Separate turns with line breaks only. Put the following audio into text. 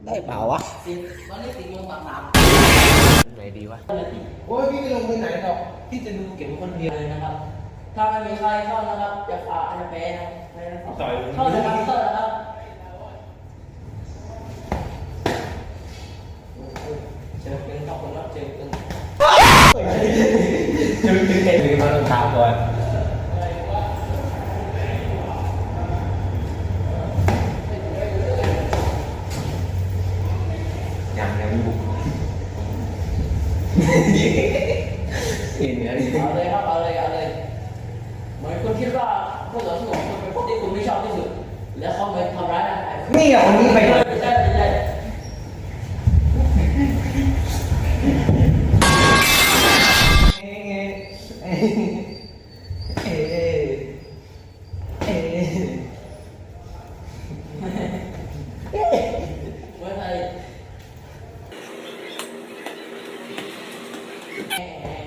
ได้เปล่าวะ
วันนี้ติดโยงต่าง
ไหนดีวะ
ๆ
โอ้ยพี่ไม่ลงไปไหนหรอกพี่จะดูเก็บคนเดียว
เลยนะครับ ถ้าไม่มีใครเข้านะครับจะฝากจะแพ้นะเข้านะครับเข้านะครับเจอเป็นต้องคนรับเจอเป็น
ถึงเห็นหรือมาลงถามก่อนยังบุกเห็นอะไร
เอาเลยครับเอาเลยเหมือนคุณคิดว่าผู้ต่อสู้ของคุณเป็นคนที่คุณไม่ชอบที่สุดแล้วเขาไปทำร้ายร่างกายคุณ
นี่อ่ะคนนี้ไป
ไม่ใช่เมื่อไหร่